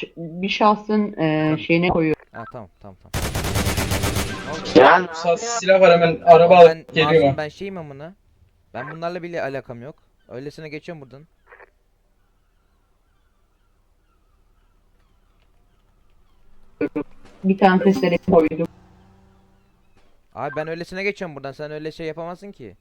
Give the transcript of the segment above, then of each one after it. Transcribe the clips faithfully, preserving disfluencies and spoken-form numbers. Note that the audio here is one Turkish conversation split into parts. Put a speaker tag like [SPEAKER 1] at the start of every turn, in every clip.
[SPEAKER 1] ş- bir şahsın e, şeyine koyuyor.
[SPEAKER 2] Ha tamam tamam tamam.
[SPEAKER 3] Yani
[SPEAKER 4] Sa- silah var hemen araba
[SPEAKER 2] Oğlum ben
[SPEAKER 4] alıp geliyorum.
[SPEAKER 2] masum, ben şeyim amına. Ben bunlarla bile alakam yok. Öylesine geçiyorum buradan.
[SPEAKER 1] Bir tane testere koydum.
[SPEAKER 2] Abi ben öylesine geçiyorum buradan. Sen öyle şey yapamazsın ki.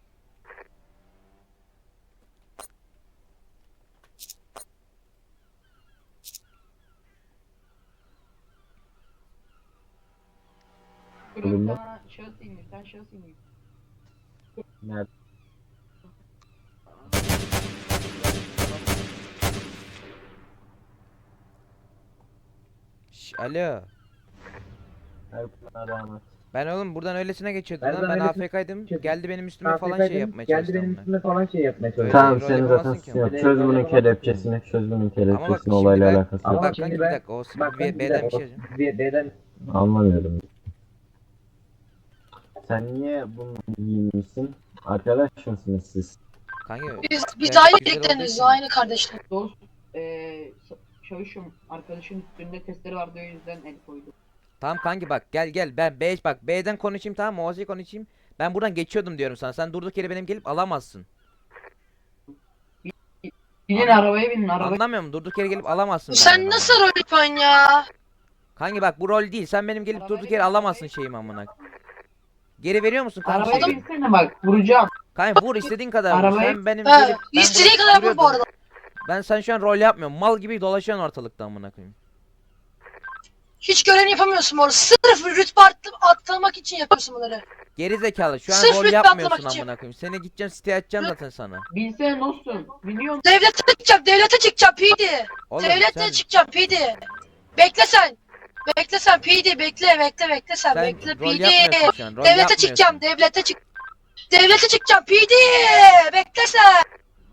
[SPEAKER 1] Bir tane şahıs indi, bir tane şahıs indi.
[SPEAKER 3] nerede?
[SPEAKER 2] Şş, alo.
[SPEAKER 3] Her buna rağmen.
[SPEAKER 2] Ben oğlum buradan öylesine geçiyordum
[SPEAKER 3] Ben
[SPEAKER 2] lan.
[SPEAKER 3] buradan
[SPEAKER 2] Ben
[SPEAKER 3] öylesine
[SPEAKER 2] A F K'ydım.
[SPEAKER 3] geçiyordum.
[SPEAKER 2] Geldi benim üstüme falan şey yapmaya
[SPEAKER 3] Geldi
[SPEAKER 2] çalıştı
[SPEAKER 3] benim
[SPEAKER 2] amına.
[SPEAKER 3] üstüme falan şey yapmaya çalıştı.
[SPEAKER 2] Öyle
[SPEAKER 3] Tamam
[SPEAKER 2] rol
[SPEAKER 3] senin zaten
[SPEAKER 2] yapamazsın ki
[SPEAKER 3] suçun yok.
[SPEAKER 2] ama.
[SPEAKER 3] Çöz bunun kelepçesini, çöz bunun
[SPEAKER 2] Ama bak
[SPEAKER 3] kelepçesini,
[SPEAKER 2] şimdi
[SPEAKER 3] olayla
[SPEAKER 2] ben...
[SPEAKER 3] alakası yok.
[SPEAKER 2] Bak kanki bir dakika. O
[SPEAKER 3] Bak
[SPEAKER 2] bir B'den bir şey yazayım.
[SPEAKER 3] B'den anlamıyorum. Sen niye bunu giymişsin? Arkadaş mısınız siz?
[SPEAKER 2] Kanki
[SPEAKER 5] Biz, biz
[SPEAKER 2] Evet,
[SPEAKER 5] aynı
[SPEAKER 2] güzel olduğu
[SPEAKER 5] tekleniz,
[SPEAKER 2] için.
[SPEAKER 5] aynı kardeşler.
[SPEAKER 1] Dost, e, çavuşum arkadaşın üstünde testere vardı, o yüzden el koydum.
[SPEAKER 2] tamam kanki bak gel gel ben B bak B'den konuşayım, tamam mı? Ozi konuşayım. Ben buradan geçiyordum diyorum sana. Sen durduk yere benim gelip alamazsın.
[SPEAKER 1] Binin arabaya binin arabaya.
[SPEAKER 2] Anlamıyor musun? Durduk yere gelip alamazsın.
[SPEAKER 5] Sen
[SPEAKER 2] benden
[SPEAKER 5] nasıl
[SPEAKER 2] amına.
[SPEAKER 5] rol yapıyorsun ya?
[SPEAKER 2] Kanki bak bu rol değil. Sen benim gelip
[SPEAKER 1] Arabaya
[SPEAKER 2] durduk yere
[SPEAKER 1] bin,
[SPEAKER 2] alamazsın
[SPEAKER 1] arabaya
[SPEAKER 2] şeyimi amına. Geri veriyor musun kanki?
[SPEAKER 1] Arabaya
[SPEAKER 2] şeyi?
[SPEAKER 1] binsene bak, vuracağım.
[SPEAKER 2] Kanki vur istediğin kadar vur.
[SPEAKER 1] Arabaya-
[SPEAKER 2] Sen benim
[SPEAKER 5] He,
[SPEAKER 2] gelip ben
[SPEAKER 5] istediğin
[SPEAKER 2] burada
[SPEAKER 5] kadar vur bu
[SPEAKER 2] duruyordum.
[SPEAKER 5] arada.
[SPEAKER 2] Ben sen şu an rol yapmıyorum. Mal gibi dolaşıyorsun ortalıkta amına koyayım.
[SPEAKER 5] Hiç görevini yapamıyorsun bu arada. Sırf rütbe attı- atlamak için yapıyorsun bunları.
[SPEAKER 2] Geri zekalı. Şu an
[SPEAKER 5] Sırf
[SPEAKER 2] rol
[SPEAKER 5] rütbe
[SPEAKER 2] yapmıyorsun
[SPEAKER 5] atlamak için.
[SPEAKER 2] amına koyayım. Seni gideceğim siteye atacağım zaten sana.
[SPEAKER 1] Binsene dostum. Biliyor musun?
[SPEAKER 5] Devlete çıkacağım, devlete çıkacağım P D.
[SPEAKER 2] Oğlum
[SPEAKER 5] Devlete
[SPEAKER 2] sen,
[SPEAKER 5] çıkacağım P D. Bekle sen. Bekle sen P D, bekle, bekle, bekle sen,
[SPEAKER 2] sen
[SPEAKER 5] bekle
[SPEAKER 2] rol
[SPEAKER 5] P D.
[SPEAKER 2] yapmıyorsun şu an. Rol
[SPEAKER 5] Devlete
[SPEAKER 2] yapmıyorsun.
[SPEAKER 5] çıkacağım, devlete çık. Devlete çıkacağım P D. Bekle sen.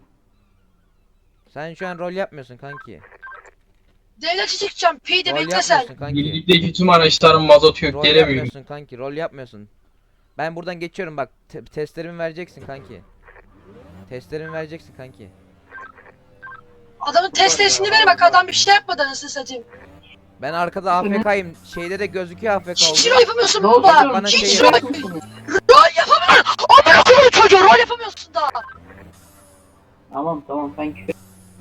[SPEAKER 2] Sen şu an rol yapmıyorsun kanki.
[SPEAKER 5] Devlete çıkacağım P D,
[SPEAKER 2] Rol
[SPEAKER 5] bekle sen.
[SPEAKER 2] yapmıyorsun kanki.
[SPEAKER 4] Birlikteki tüm araçların mazotu yok.
[SPEAKER 2] Rol
[SPEAKER 4] Gelemiyorum.
[SPEAKER 2] yapmıyorsun kanki. Rol yapmıyorsun. Ben buradan geçiyorum bak. Te testlerimi vereceksin kanki. Testlerimi vereceksin kanki.
[SPEAKER 5] Adamın testesini ver bak, adam bir şey yapmadı anasını satayım.
[SPEAKER 2] Ben arkada A F K'yim. Şeyde de gözüküyor A F K
[SPEAKER 5] Hiç
[SPEAKER 2] oldu.
[SPEAKER 5] rol yapamıyorsun
[SPEAKER 1] Dostum,
[SPEAKER 5] baba.
[SPEAKER 2] bana
[SPEAKER 5] Hiç
[SPEAKER 2] şey
[SPEAKER 5] rol,
[SPEAKER 2] yap-
[SPEAKER 5] rol yapamıyorsun. Amına koyayım çocuğu, rol yapamıyorsun daha.
[SPEAKER 1] Tamam tamam, sen küfür.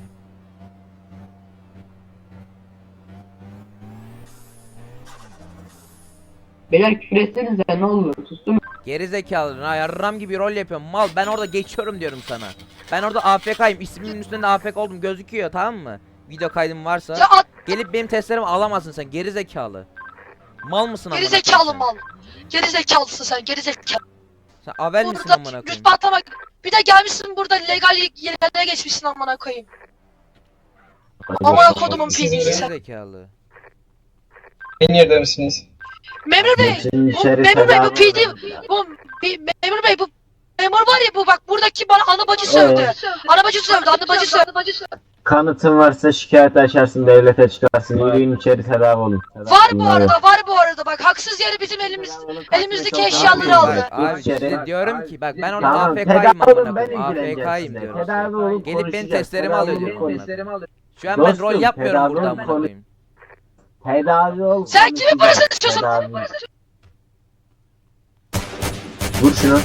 [SPEAKER 1] Beyler küfür etsenize, ne olur, sustum mu?
[SPEAKER 2] Geri zekalı. Ha yarram gibi rol yapıyorum. Mal ben orada geçiyorum diyorum sana. Ben orada A F K'yim. İsmimin üstünde A F K oldum gözüküyor, tamam mı? Video kaydım varsa.
[SPEAKER 5] Ya at,
[SPEAKER 2] Gelip benim testlerimi alamazsın sen geri zekalı. Mal mısın amına
[SPEAKER 5] geri
[SPEAKER 2] koyayım
[SPEAKER 5] zekalı
[SPEAKER 2] sen?
[SPEAKER 5] mal. Geri zekalısın sen, geri zekalı.
[SPEAKER 2] Sen avel misin
[SPEAKER 5] Burada
[SPEAKER 2] amına koyayım?
[SPEAKER 5] rütbe atlamak. Bir de gelmişsin burada legal yerlere geçmişsin amına koyayım. Amına kodumun P D'si
[SPEAKER 2] Geri
[SPEAKER 5] sen.
[SPEAKER 2] zekalı.
[SPEAKER 4] En yerde misiniz?
[SPEAKER 5] Memur bey,
[SPEAKER 3] Şimdi
[SPEAKER 5] bu
[SPEAKER 3] içeri
[SPEAKER 5] memur bey bu
[SPEAKER 3] tedavi-
[SPEAKER 5] P D, bu bir- memur bey bu memur var ya bu, bak buradaki bana ana bacı sövdü.
[SPEAKER 3] Evet.
[SPEAKER 5] Ana bacı sövdü, ana bacı sövdü.
[SPEAKER 3] Kanıtın varsa şikayet açarsın, devlete çıkarsın. Yürüyün içeri, tedavi olun. Tedavi
[SPEAKER 5] Var bu
[SPEAKER 3] bunlar yok.
[SPEAKER 5] arada, var bu arada bak, haksız yere bizim elimiz elimizdeki
[SPEAKER 3] Çok
[SPEAKER 5] eşyaları
[SPEAKER 3] haklısın.
[SPEAKER 5] aldı.
[SPEAKER 2] Bak abi
[SPEAKER 3] İçeri-
[SPEAKER 2] işte diyorum ki bak ben orada
[SPEAKER 3] Tamam,
[SPEAKER 2] A F
[SPEAKER 3] tedavi
[SPEAKER 2] K'yim amına
[SPEAKER 3] olun, ben
[SPEAKER 2] koyayım. A F
[SPEAKER 3] ilgileneceğim
[SPEAKER 2] K'yim
[SPEAKER 3] size.
[SPEAKER 2] diyorum.
[SPEAKER 3] Tedavi olup
[SPEAKER 2] Gelip benim
[SPEAKER 3] konuşacağız.
[SPEAKER 2] testlerimi
[SPEAKER 3] Tedavi
[SPEAKER 2] alıyor
[SPEAKER 3] olup
[SPEAKER 2] diyorum
[SPEAKER 3] konuş-
[SPEAKER 2] amına. Şu an ben
[SPEAKER 3] Dostum,
[SPEAKER 2] rol yapmıyorum
[SPEAKER 3] tedavi
[SPEAKER 2] burada
[SPEAKER 3] olup
[SPEAKER 2] amına
[SPEAKER 3] konuş-
[SPEAKER 2] koyayım.
[SPEAKER 3] Tedavi ol.
[SPEAKER 5] Sen kimin parasını istiyorsun?
[SPEAKER 3] Tedavi. Vur şunu.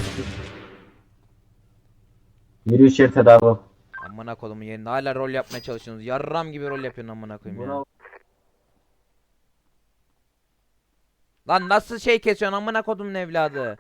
[SPEAKER 3] Yürü içeri, tedavi ol.
[SPEAKER 2] Amına kodumun yerinde hala rol yapmaya çalışıyorsunuz. Yarram gibi rol yapıyorsun amına koyayım ya.
[SPEAKER 3] Buna-
[SPEAKER 2] Lan nasıl şey kesiyorsun amına kodumun evladı?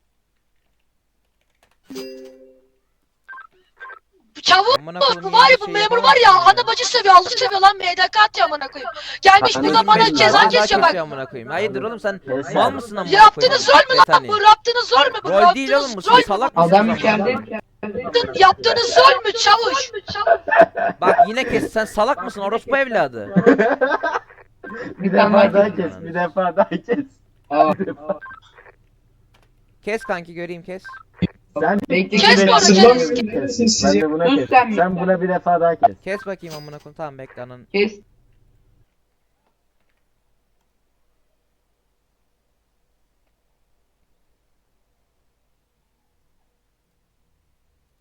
[SPEAKER 5] Bu çavuk
[SPEAKER 2] Amına
[SPEAKER 5] bu
[SPEAKER 2] kodumun
[SPEAKER 5] var ya,
[SPEAKER 2] yerinde
[SPEAKER 5] bu
[SPEAKER 2] şey
[SPEAKER 5] memur var ya,
[SPEAKER 2] yapamazsın
[SPEAKER 5] ana bacı sövüyor, Allah sövüyor lan, M D K atıyor amına koyayım. Gelmiş
[SPEAKER 3] Bak,
[SPEAKER 5] burada
[SPEAKER 3] hani
[SPEAKER 5] bana
[SPEAKER 3] bizim
[SPEAKER 5] ceza
[SPEAKER 3] var,
[SPEAKER 5] kesiyor bak.
[SPEAKER 2] amına koyayım. Hayırdır oğlum sen
[SPEAKER 3] Kes
[SPEAKER 2] mal
[SPEAKER 3] sen.
[SPEAKER 2] mısın amına koyayım?
[SPEAKER 5] Yaptığınız rol mü lan
[SPEAKER 2] Betani.
[SPEAKER 5] bu? Yaptığınız rol mü bu?
[SPEAKER 2] Rol değil oğlum bu,
[SPEAKER 5] Yaptığınız
[SPEAKER 2] sen
[SPEAKER 5] rol mü?
[SPEAKER 2] salak mısın?
[SPEAKER 1] Adam
[SPEAKER 2] amına
[SPEAKER 1] içeride.
[SPEAKER 2] koyayım?
[SPEAKER 5] Yaptığın- Yaptığınız rol mü çavuş?
[SPEAKER 2] Bak yine kes, sen salak mısın orospu evladı?
[SPEAKER 3] Bir
[SPEAKER 1] tane
[SPEAKER 3] defa
[SPEAKER 1] daha
[SPEAKER 3] daha kes, bir defa daha kes.
[SPEAKER 1] Aa,
[SPEAKER 2] Kes kanki göreyim kes.
[SPEAKER 3] Sen
[SPEAKER 1] Bekle,
[SPEAKER 5] Kes
[SPEAKER 1] bekle.
[SPEAKER 5] bu arada,
[SPEAKER 4] Sırlamıyorum.
[SPEAKER 5] kes.
[SPEAKER 4] Siz
[SPEAKER 3] Ben
[SPEAKER 4] sizi.
[SPEAKER 3] de buna
[SPEAKER 1] Sus
[SPEAKER 3] kes.
[SPEAKER 1] sen bir-
[SPEAKER 3] Sen buna bir defa daha kes.
[SPEAKER 2] Kes bakayım amına koyayım. Tamam bekle anan.
[SPEAKER 1] Kes.